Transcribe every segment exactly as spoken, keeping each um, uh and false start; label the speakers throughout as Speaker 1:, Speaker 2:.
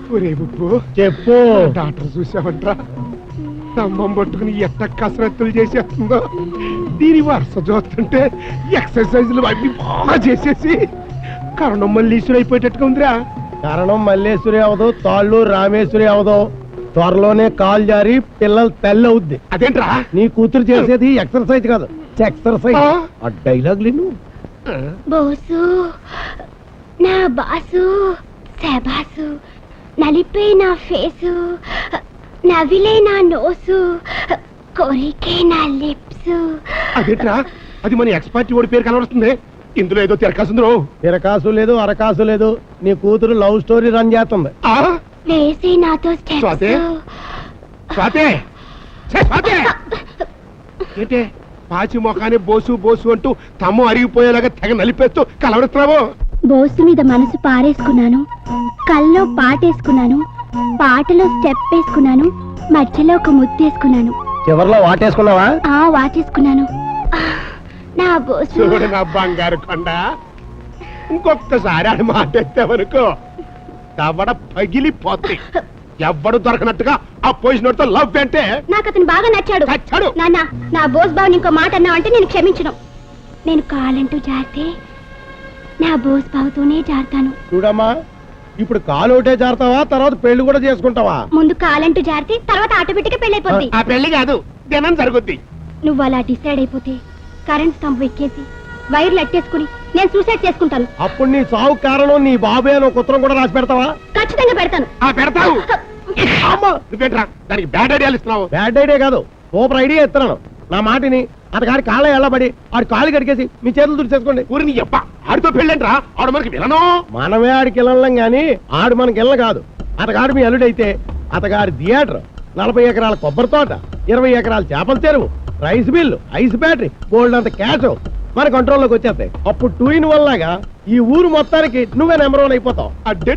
Speaker 1: ఒరే ఉప్పు
Speaker 2: చెప్పు.
Speaker 1: డాక్టర్ చూసావంట్రా, స్తంభం పట్టుకుని ఎట్ట కసరత్తులు చేసేస్తుందో. దీని వరుస చూస్తుంటే ఎక్సర్సైజులు అవి బాగా చేసేసి కరణం మల్లీశ్వరి అయిపోయేటట్టుగా ఉందిరా.
Speaker 2: కారణం మల్లేశ్వరి అవదు, తాళ్ళు రామేశ్వరి అవదు. త్వరలోనే కాలు జారి పిల్లలు తల్లి అవుద్ది.
Speaker 1: అదేంట్రా?
Speaker 2: నీ కూతురు చేసేది ఎక్సర్సైజ్ కాదు, ఎక్సర్సైజ్. ఆ డైలాగ్ లేను.
Speaker 3: బోసు నా బాసు శబాసు, నలిపే నా ఫేసు, నవిలే నా నోసు, కోరికే నా లిప్స్.
Speaker 1: అదేంట్రా? అది మన ఎక్స్పర్ట్ ఓడి పేరు కనబడుతుంది. ఇందులో ఏదో తిరకాసుందో.
Speaker 2: తిరకాసు లేదు, అరకాసు లేదు. నీ కూతురు లవ్ స్టోరీ రన్ చేస్తుంది.
Speaker 3: వేసి నాతో
Speaker 1: స్వాతి, స్వాతి, స్వాతి. ఏంటే పాచి మొఖాన్ని బోసు బోసు అంటూ తమ్ము అరిగిపోయేలాగా తెగ నలిపేస్తూ కలవడుతున్నావు.
Speaker 3: బోసు మీద మనసు పారేసుకున్నాను, కల్లో పాటేసుకున్నాను, పాటలో స్టెప్ వేసుకున్నాను, మధ్యలో ఒక ముత్తేసుకున్నాను,
Speaker 2: చివర్లో వాటేసుకున్నావా?
Speaker 3: ఆ వాటేసుకున్నాను. నా బోసు
Speaker 1: చూడు నా బంగారు కొండ, ఇంకొకసారి ఆడి మాట ఎత్తావనుకో దవడ పగిలిపోద్ది. ఎవ్వడు దొరకనట్టుగా ఆ పొజిషన్ తో లవ్ అంటే.
Speaker 3: నాకు అతను బాగా నచ్చాడు.
Speaker 1: నచ్చాడు?
Speaker 3: నాన్న, నా బోస్ బాబుని ఇంకో మాట అన్నావంటే నేను క్షమించను. నేను కాలంటూ జారితే నా బోస్ బాబుతోనే జారుతాను.
Speaker 2: చూడమ్మా, ఇప్పుడు కాలు ఒకటే జారుతావా, తర్వాత పెళ్లి కూడా చేసుకుంటావా?
Speaker 3: ముందు కాలంటూ జారితే తర్వాత ఆటోమేటిక్ పెళ్ళైపోద్ది.
Speaker 1: ఆ పెళ్లి కాదు, దినం జరుగుద్ది.
Speaker 3: నువ్వు అలా డిసైడ్ అయిపోతే కరెంట్ స్తంభం ఎక్కేసి వైర్లు అట్టేసుకుని నేను సూసైడ్ చేసుకుంటాను.
Speaker 2: అప్పుడు నీ సావు కారణం నీ బాబే అని ఒక ఉత్తరం కూడా రాసి పెడతావా?
Speaker 3: ఖచ్చితంగా పెడతాను.
Speaker 1: ఆ పెడతావు. నువ్వేంట్రా దానికి బ్యాడ్ ఐడియాలు ఇస్తున్నావు?
Speaker 2: బ్యాడ్ ఐడియా కాదు, సూపర్ ఐడియా ఇస్తున్నాను. నా మాటిని అతగాడి కాళ్ళ ఎల్లబడి ఆడి కాళ్ళు కడిగేసి మీ చేతులు దుడిచేసుకోండి.
Speaker 1: ఊరిని చెప్ప ఆడితో పెళ్ళంట్రా, ఆడు మనకి వినను.
Speaker 2: మనమే ఆడికి వెళ్ళం గాని ఆడు మనకి ఇళ్ళ కాదు. అతగాడు మీ అల్లుడైతే అతగాడి థియేటర్, నలభై ఎకరాల కొబ్బరి తోట, ఇరవై ఎకరాల చేపల చెరువు, రైస్ మిల్లు, ఐస్ బ్యాటరీ, బోల్డ్ అంత క్యాష్ మన కంట్రోల్లోకి వచ్చేస్తాయి. అప్పుడు టూ ఇన్ వల్లాగా ఈ ఊరు మొత్తానికి నువ్వే నెంబర్ వన్ అయిపోతావు.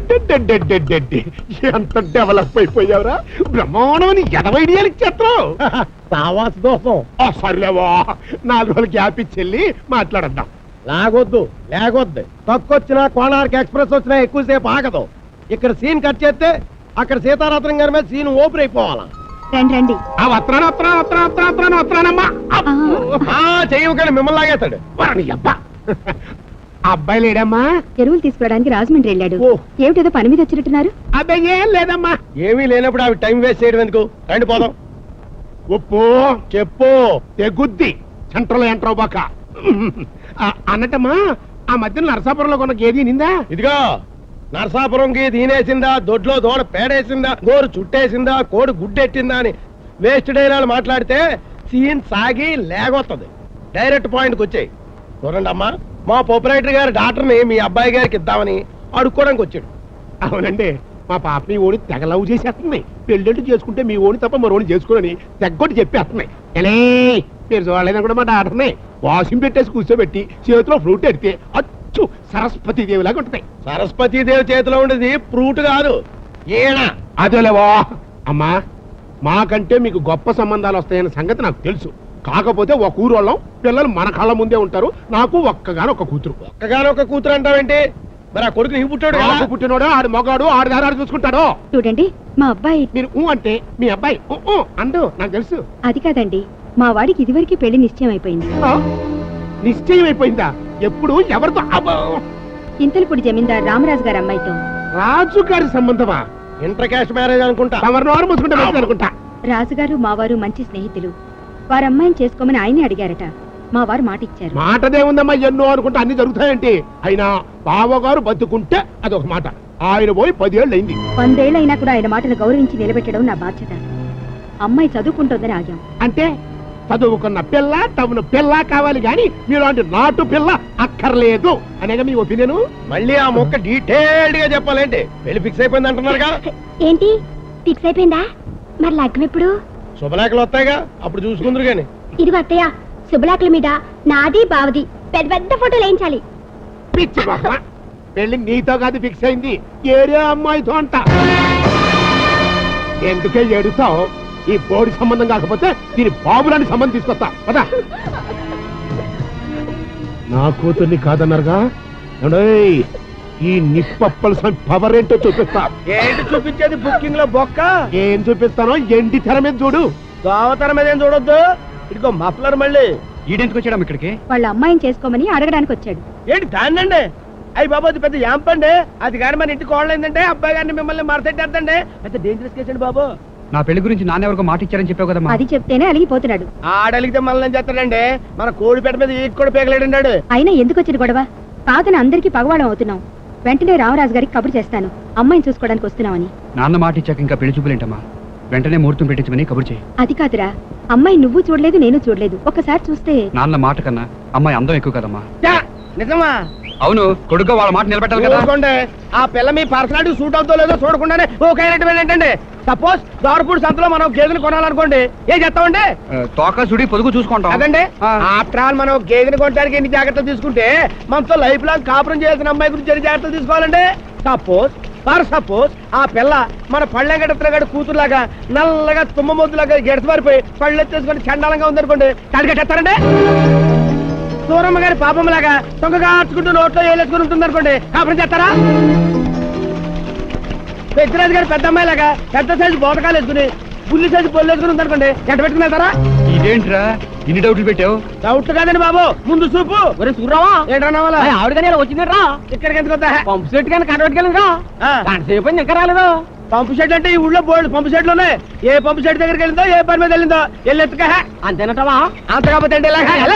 Speaker 1: ఎంత డెవలప్ అయిపోయావురా, బ్రహ్మాండమని ఎనభై ఐడియాలు ఇచ్చేస్తావు.
Speaker 2: సావాస దోషం.
Speaker 1: సర్లేవా, నాలుగు రోజులు గ్యాప్ ఇచ్చెళ్ళి మాట్లాడద్దాం.
Speaker 2: లాగొద్దు, లేకొద్దు. తక్కువచ్చినా కోణార్క్ ఎక్స్ప్రెస్ వచ్చినా ఎక్కువసేపు ఆగదు. ఇక్కడ సీన్ కట్ చేస్తే అక్కడ సీతారాత్రం గారి మీద సీన్ ఓపెన్ అయిపోవాలా.
Speaker 3: రండి రండి.
Speaker 1: ఆ వత్రాన వత్రాన వత్రాన వత్రాన వత్రానమ్మా
Speaker 2: చేయకండి, మిమ్మల్ని లాగేస్తాడు.
Speaker 1: అబ్బాయి లేడమ్మా?
Speaker 3: ఎరువులు తీసుకోవడానికి రాజమండ్రి వెళ్ళాడు. ఏమిటేదో పని మీద వచ్చినట్టున్నారు?
Speaker 1: అబ్బాయి ఏం లేదమ్మా.
Speaker 2: ఏమీ లేనప్పుడు అవి టైం వేస్ట్ చేయడం ఎందుకు? రండి పోదాం.
Speaker 1: ఉప్పు
Speaker 2: చెప్పు.
Speaker 1: తెగుద్ది సెంట్రల్ ఎంట్రో బాక అన్నట్టమ్మా. ఆ మధ్యన నరసాపురంలో కొన్న గేది నిందా?
Speaker 2: ఇదిగో, నరసాపురంకి దీనేసిందా, దొడ్లో దోడ పేడేసిందా, గోరు చుట్టేసిందా, కోడి గుడ్డెట్టిందా అని వేస్ట్ డైలాలు మాట్లాడితే సీన్ సాగి లేగొత్తది. డైరెక్ట్ పాయింట్కి వచ్చాయి. చూడండి అమ్మా, మా ప్రొపరేటర్ గారి డాక్టర్ని మీ అబ్బాయి గారికి ఇద్దామని అడుక్కోవడానికి వచ్చాడు.
Speaker 1: అవునండి, మా పాపని ఓడి తెగ లవ్ చేసేస్తుంది. పెళ్ళిళ్ళు చేసుకుంటే మీ ఓడి తప్ప మరోని చేసుకోనని తెగ్గొట్టి చెప్పేస్తుంది. ఎలే మీరు చూడలేదని కూడా మా డాక్టర్ని వాషింగ్ పెట్టేసి కూర్చోబెట్టి చేతిలో ఫ్రూట్ ఎడితే అచ్చు సరస్వతి దేవి లాగా ఉంటుంది.
Speaker 2: సరస్వతి దేవి చేతిలో ఉండేది ఫ్రూట్ కాదు, ఈయన.
Speaker 1: అదేలేవా అమ్మా, మాకంటే మీకు గొప్ప సంబంధాలు వస్తాయన్న సంగతి నాకు తెలుసు. కాకపోతే ఒక ఊరు వాళ్ళం, పిల్లలు మన కళ్ళ ముందే ఉంటారు. నాకు ఒక్కగానో ఒక కూతురు.
Speaker 2: ఒక్కగానో ఒక కూతురు అంటావేంటి? మరి ఆ కొడుకు నీ పుట్టాడు.
Speaker 1: నాకు పుట్టినోడు ఆడు మగాడు, ఆడు దారాడు చూసుకుంటాడు.
Speaker 3: చూడండి, మా అబ్బాయి.
Speaker 1: మీరు ఊ అంటే మీ అబ్బాయి ఊ అంటూ నాకు తెలుసు.
Speaker 3: అది కాదండి, మా వాడికి ఇదివరకు పెళ్లి నిశ్చయం అయిపోయింది.
Speaker 1: నిశ్చయం అయిపోయిందా? ఎప్పుడు? ఎవరితో?
Speaker 3: ఇంతలపూడి జమీందార్ రామరాజు గారి అమ్మాయితో.
Speaker 1: రాజు గారి సంబంధమా?
Speaker 2: ఇంటర్ క్యాస్ట్ మ్యారేజ్ అనుకుంటా.
Speaker 1: అనుకుంటా.
Speaker 3: రాజుగారు మావారు మంచి స్నేహితులు. వారి అమ్మాయిని చేసుకోమని ఆయనే అడిగారట. మా వారు మాట ఇచ్చారు.
Speaker 1: మాటదే ఉందమ్మా, ఎన్నో అనుకుంటా అన్ని జరుగుతాయంటే. అయినా బావగారు బతుకుంటే అదొక మాట, ఆయన పోయి పదేళ్ళు అయింది.
Speaker 3: వందేళ్లైనా కూడా ఆయన మాటను గౌరవించి నిలబెట్టడం నా బాధ్యత. అమ్మాయి చదువుకుంటోందని ఆగాం.
Speaker 1: అంటే చదువుకున్న పిల్ల తమను పిల్ల కావాలి గాని మీలాంటి నాటు పిల్ల అక్కర్లేదు అనేగా మీ ఒపీనియన్.
Speaker 2: మళ్ళీ ఆ మొక్క డీటెయిల్డ్ గా చెప్పాలంటే పెళ్లి ఫిక్స్ అయిపోయింది అంటున్నారుగా.
Speaker 3: ఏంటి ఫిక్స్ అయిపోయిందా? మరి లగ్నం ఎప్పుడు?
Speaker 2: శుభలేఖలు వస్తాయిగా, అప్పుడు చూసుకుందరు గాని.
Speaker 3: ఇదిగో అత్తయ్య, శుభలేఖల మీద నాది బావది పెద్ద పెద్ద ఫోటోలు వేయించాలి.
Speaker 1: పిచ్చి బాబా, పెళ్లి నీతో కాదు ఫిక్స్ అయింది, ఏరే అమ్మాయితో అంట. ఎందుకే ఏడుస్తావు? ఈ బోడి సంబంధం కాకపోతే దీని బాబులాంటి సంబంధం తీసుకొస్తా పదా. నా కూతుర్ని కాదన్నారుగా. ఈ నిప్పప్పల పవర్ ఏంటో చూపిస్తా.
Speaker 2: ఏంటి చూపించేది బుకింగ్ లో బొక్క?
Speaker 1: ఏం చూపిస్తానో ఎండి తెర మీద చూడు.
Speaker 2: దోవతరం మీద ఏం చూడొద్దు. ఇదిగో మఫ్లర్ మళ్ళీ.
Speaker 4: ఈడెందుకు వచ్చాడు ఇక్కడికి?
Speaker 3: వాళ్ళ అమ్మాయిని చేసుకోమని అడగడానికి వచ్చాడు.
Speaker 2: ఏంటి దాన్నండి? అయ్యి బాబు అది పెద్ద యాంపండి. అది కానీ మన ఇంటికి కోడలేందంటే అబ్బాయి గారిని మిమ్మల్ని మరసెట్టేద్దండి. పెద్ద డేంజరస్ కేసు అండి బాబు.
Speaker 4: నా పెళ్లి గురించి నాన్న ఎవరికో మాట ఇచ్చారని చెప్పావు కదమ్మా.
Speaker 3: అది చెప్తేనే అలిగిపోతున్నాడు.
Speaker 2: ఆడలిగితే మనల్ని ఏం చేస్తాడండి? మన కోడిపేట మీద ఈకి కూడా పేగలేడండి.
Speaker 3: అయినా ఎందుకు వచ్చిన గొడవ? కాదని అందరికీ పగవాడం అవుతున్నాం. వెంటనే రామరాజు గారికి కబురు చేస్తాను, అమ్మాయిని చూసుకోవడానికి వస్తున్నామని.
Speaker 4: నాన్న మాట ఇచ్చాక ఇంకా పెళ్లి చూపులేంటమ్మా? వెంటనే ముహూర్తం పెట్టించమని కబురు చేయి.
Speaker 3: అది కాదురా, అమ్మాయి నువ్వు చూడలేదు, నేను చూడలేదు. ఒక్కసారి చూస్తే.
Speaker 4: నాన్న మాట కన్నా అమ్మాయి అందం ఎక్కువ కదమ్మా.
Speaker 2: ఛా, నిజమా?
Speaker 4: అవును, కొడుకు వాళ్ళ మాట నిలబెట్టాలి కదా.
Speaker 2: చూసుకోండి, ఆ పిల్ల మీ పర్సనాలిటీ సూట్ అవుతో లేదో చూడకుండానే ఓకే ఏంటంటే సపోజ్ దారుపూడి సంతలో మనం గేదెని కొనాలనుకోండి, ఏం చేస్తామండి?
Speaker 4: ఆ, తోక సుడి పొదుగు చూసుకుంటాం.
Speaker 2: అదండి.
Speaker 4: ఆ.
Speaker 2: ఆఫ్టర్ ఆల్ మనం గేదెని కొనడానికి ఎన్ని జాగ్రత్తలు తీసుకుంటే మనతో లైఫ్ లాంగ్ కాపురం చేయాల్సిన అమ్మాయి గురించి ఎన్ని జాగ్రత్తలు తీసుకోవాలండి? సపోజ్ ఫర్ సపోజ్ ఆ పిల్ల మన పళ్ళెగడతలగాడు కూతురులాగా నల్లగా తుమ్మ మొద్దులాగా గెడతమారిపోయి పళ్ళు ఎత్తేసుకొని చండాలంగా ఉందనుకోండి, కడిగట్టేస్తారండి. సూరమ్మ గారి పాపం లాగా తొంగగా ఆర్చుకుంటూ నోట్లో వేలేసుకుని ఉంటుంది అనుకోండి, కాపురం చేస్తారా? పెద్దరాజు గారి పెద్ద అమ్మాయి లాగా పెద్ద సైజు బోటకాలు వేసుకుని బుల్లి సైజు పొల్లు వేసుకుని ఉంది అనుకోండి, ఎట్ట పెట్టుకుని వెళ్తారా?
Speaker 4: ఇదేంట్రా ఇన్ని డౌట్లు పెట్టావు?
Speaker 2: డౌట్ కాదండి బాబు, ముందు చూపు.
Speaker 5: చూడరావా
Speaker 2: ఏంటన్నా
Speaker 5: ఆవిడగానే వచ్చిందట్రా
Speaker 2: ఇక్కడికి ఎందుకు వద్దా?
Speaker 5: పంపు సెట్ కానీ కనబెట్టుకెళ్ళరా
Speaker 2: ఆ.
Speaker 5: సేపు అయింది ఇంకా రాలేదు.
Speaker 2: పంపు షెడ్ అంటే ఈ ఊళ్ళో బోర్డు పంపు షెడ్లు ఉన్నాయి. ఏ పంపు షెడ్ దగ్గరికి వెళ్ళిందో ఏ పని మీద వెళ్ళిందో వెళ్ళి ఎత్తుక.
Speaker 5: అంతేనటవా
Speaker 2: అంత కాకపోతే ఏంటి ఇలాగ? ఎలా?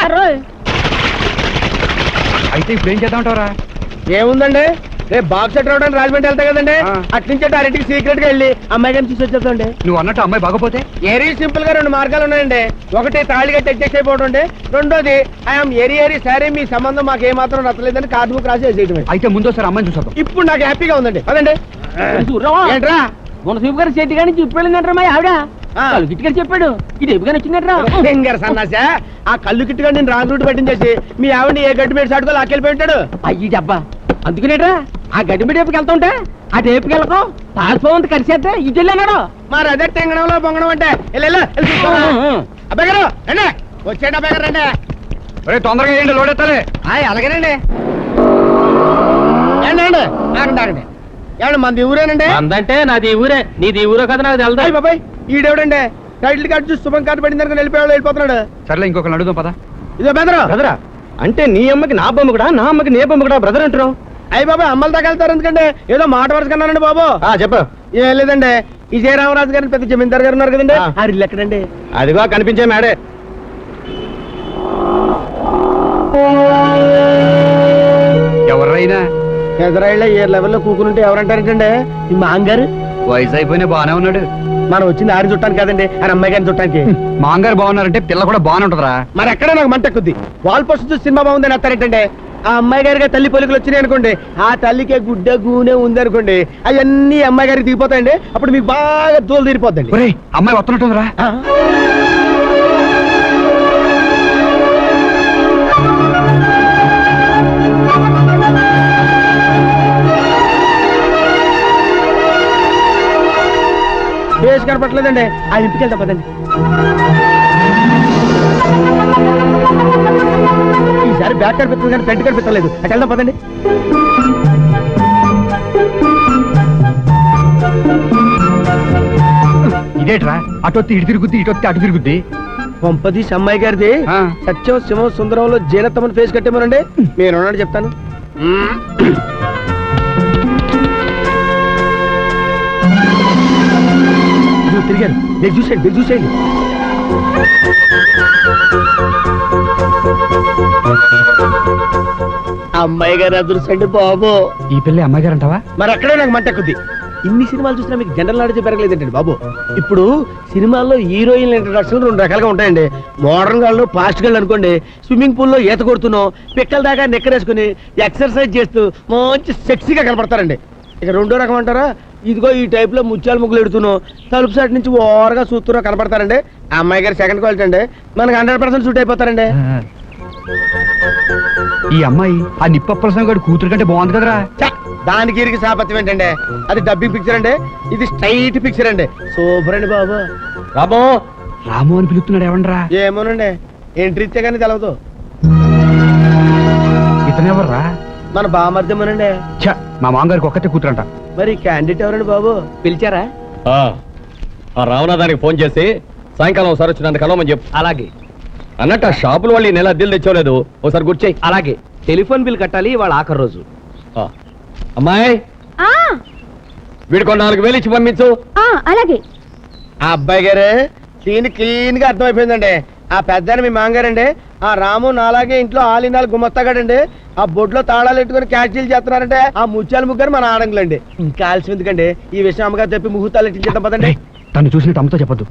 Speaker 4: అయితే ఇప్పుడు ఏం చేద్దామంటావరా?
Speaker 2: ఏముందండి, రేపు బాక్స్ సెట్ రావడానికి రాజమండ్రి వెళ్తా కదండి,
Speaker 4: ఆ.
Speaker 2: అట్నుంచి డైరెక్ట్ సీక్రెట్ గా వెళ్ళి అమ్మాయి గారిని చూసి వచ్చేద్దాండి.
Speaker 4: నువ్వు అన్నట్టు అమ్మాయి బాగపోతే?
Speaker 2: ఏరీ సింపుల్ గా రెండు మార్గాలు ఉన్నాయండి. ఒకటి తాళిగా అడ్జస్ట్ అయిపోవడం అండి, రెండోది ఐఎమ్ ఏరి ఏరి సరే మీ సంబంధం మాకు ఏమాత్రం నచ్చలేదని కార్డు బుక్ రాసి వేసేయటమే.
Speaker 4: అయితే ముందోసారి అమ్మాయిని చూసేద్దాం.
Speaker 2: ఇప్పుడు నాకు హ్యాపీగా ఉందండి. అదండి.
Speaker 5: చూడరావా
Speaker 2: ఏంట్రా?
Speaker 5: మన సూపు గారి సెట్ కానీ చెప్పి వెళ్ళిందంటారా మా ఆవిడ
Speaker 2: ఆ.
Speaker 5: గిట్టుగారు చెప్పాడు ఇది ఎప్పుగానే వచ్చిందట్రా.
Speaker 2: ఫింగర్ సన్నాసా, ఆ కళ్ళు కిట్టుగా నేను రాంగ్ రూట్ పట్టించేసి మీ ఆవిడని ఏ గడ్డి మీద సాటుకో లాక్కెళ్ళిపోయి ఉంటాడు.
Speaker 5: అయ్యి డబ్బా అందుకునేట్రా ఆ గడ్డి మీద ఏపుకి వెళ్తా ఉంటే ఆ టేపుకి వెళ్ళకో తాల్పోంత కలిసేస్తే ఇటు వెళ్ళాడు.
Speaker 2: మరి అదే టెంగడంలో బొంగడం అంటే వెళ్ళు, వెళ్ళు, వెళ్ళి చూసుకోరా. అబ్బాయి గారు రండి, వచ్చేయండి అబ్బాయి గారు రండి.
Speaker 4: ఒరే తొందరగా ఏంటి లోడెత్తాలి.
Speaker 2: ఆయ్ అలాగేనండి. ఏండి అండి ఆగండి ఆగండి. ఏమండి మంది ఊరేనండి?
Speaker 5: అందంటే నాది ఊరే నీది ఊరో కదా నాకు
Speaker 2: అయ్యి
Speaker 5: తెలుదా.
Speaker 2: బాబాయ్ ఈడేవిడండి టైటిల్ కార్డు చూసి శుభం కార్డు పడింది అనుకుని వెళ్ళిపోయాడు వెళ్ళిపోతున్నాడు.
Speaker 4: సర్లే ఇంకొకరిని అడుగుదాం పదా.
Speaker 2: ఇదో బెదరు
Speaker 5: బ్రదరా అంటే నీ అమ్మకి నా బొమ్మ కూడా నా అమ్మకి నీ బొమ్మ కూడా బ్రదర్ అంటున్నావు.
Speaker 2: అయ్యి బాబాయ్ అమ్మల దాకా వెళ్తారు ఎందుకంటే ఏదో మాట వరుస కన్నానండి బాబు.
Speaker 5: చెప్పు.
Speaker 2: ఏం లేదండి, విజయ రామరాజు గారిని పెద్ద జమీందారు గారు ఉన్నారు కదండి,
Speaker 5: ఆ.
Speaker 2: ఆ ఇల్లు ఎక్కడండి?
Speaker 5: అదిగో కనిపించే మేడే.
Speaker 4: ఎవరైనా
Speaker 2: ఎదురాళ్ళ ఏ లెవెల్లో కూకునుంటే ఎవరంటారంటండి? ఈ మాంగారు.
Speaker 4: వయసు అయిపోయినా బాగానే ఉన్నాడు.
Speaker 2: మనం వచ్చింది ఆరిని చుట్టానికి కదండి, ఆయన అమ్మాయి గారిని చుట్టానికి.
Speaker 4: మాంగారు బాగున్నారంటే పిల్ల కూడా బాగానే ఉంటదిరా.
Speaker 2: మరి ఎక్కడ నాకు మంట ఎక్కుద్ది. వాల్ పోస్ట్ చూసి సినిమా బాగుందని వస్తారేంటండి? ఆ అమ్మాయి గారికి తల్లి పొలికలు వచ్చినాయి అనుకోండి, ఆ తల్లికి గుడ్డ గూనె ఉంది అనుకోండి, అవన్నీ అమ్మాయి గారికి దిగిపోతాయండి. అప్పుడు మీకు బాగా దూలు తీరిపోద్దండి.
Speaker 4: ఒరే అమ్మాయి వస్తున్నట్టుందిరా.
Speaker 2: ఆ. ఫేస్ కనపట్లేదండి, ఆ ఇంటికి వెళ్తా పదండి. ఈసారి బ్యాక్ కనిపిస్తుంది కానీ ఫ్రంట్ కనిపించలేదు, అటు వెళ్దాం పదండి.
Speaker 4: ఇదేట్రా అటొత్తి ఇటు తిరుగుద్ది ఇటొత్తి అటు తిరుగుద్ది.
Speaker 2: పంపదీస్ అమ్మాయి గారిది
Speaker 4: ఆ.
Speaker 2: సత్యం శివం సుందరంలో జీనత్తమని ఫేస్ కట్టేమోనండి. మీరు ఉన్నాడు చెప్తాను. ఇదిగో తిరిగారు, నేను చూసేయండి మీరు చూసేయండి. అమ్మాయి గారు అదృష్టండి బాబు.
Speaker 4: ఈ పిల్ల అమ్మాయి గారు అంటావా?
Speaker 2: మరి అక్కడే నాకు మంట ఎక్కుద్ది. ఇన్ని సినిమాలు చూసినా మీకు జనరల్ నాలెడ్జ్ పెరగలేదండి బాబు. ఇప్పుడు సినిమాల్లో హీరోయిన్ ఇంట్రడక్షన్ రెండు రకాలుగా ఉంటాయండి. మోడర్న్ గాళ్ళు ఫాస్ట్ గాళ్ళు అనుకోండి, స్విమ్మింగ్ పూల్ లో ఈత కొడుతున్నాం పిక్కల దాకా నెక్కరేసుకుని ఎక్సర్సైజ్ చేస్తూ మంచి సెక్సీగా కనపడతారండి. ఇక రెండో రకం అంటారా, ఇదిగో ఈ టైప్ లో ముత్యాల ముగ్గులు ఎడుతున్నాం తలుపు సైడ్ నుంచి ఓవర్గా చూస్తున్నా కనపడతారండి. ఆ అమ్మాయి గారు సెకండ్ క్వాలిటీ అండి, మనకి హండ్రెడ్ పర్సెంట్ సూట్ అయిపోతారండి.
Speaker 4: ఈ అమ్మాయి ఆ నిప్పప్రసం గారి కూతురు కంటే బాగుంది కదరా.
Speaker 2: ఛ! దానికి ఇరికి సాపత్యం ఏంటండి, అది డబ్బింగ్ పిక్చర్ అండి, ఇది స్ట్రైట్ పిక్చర్ అండి. సూపర్ అండి బాబు.
Speaker 5: రాబో
Speaker 4: రాము అని పిలుస్తున్నాడు ఏమండ్రా?
Speaker 2: ఏమోనండి, ఎంట్రీ ఇచ్చే కానీ తెలవదు.
Speaker 4: ఇతనెవర్రా?
Speaker 2: మన బామర్దమనండి.
Speaker 4: ఛ, మా మామగారికి ఒక్కతే కూతురంట.
Speaker 2: మరి క్యాండిడేట్ ఎవరండి బాబు?
Speaker 5: పిలిచారా?
Speaker 6: ఆ రావణాదానికి ఫోన్ చేసి సాయంకాలం ఒకసారి వచ్చినందుకు కలవమని చెప్పు.
Speaker 5: అలాగే
Speaker 6: అన్నట్టు ఆ షాపుల వాళ్ళు ఈ నెల అద్దెలు తెచ్చోలేదు, ఒకసారి గుర్చేయి.
Speaker 5: అలాగే టెలిఫోన్ బిల్ కట్టాలి వాళ్ళ ఆఖరి రోజు.
Speaker 6: ఆ, అమ్మాయి
Speaker 3: ఆ,
Speaker 6: వీడికి నాలుగు వేలు ఇచ్చి పంపించు.
Speaker 3: ఆ, అలాగే.
Speaker 2: ఆ అబ్బాయి గారు సీన్ క్లీన్ గా అర్థమైపోయిందండి. ఆ పెద్ద మీ మాంగారండి, ఆ రాము నాలాగే ఇంట్లో ఆలినాలు గుమస్తాగాడండి. ఆ బొడ్లో తాళాలు పెట్టుకుని క్యాషీలు చేస్తున్నారంటే ఆ ముత్యాల ముగ్గురు మన ఆడంగులండి. ఇంకా ఆలస్యం ఎందుకండి, ఈ విషయం అమ్మగారు చెప్పి ముహూర్తాలు ఎట్టించేద్దాం పదండి.
Speaker 4: తను చూసినట్టు అమ్మతో చెప్పొద్దు.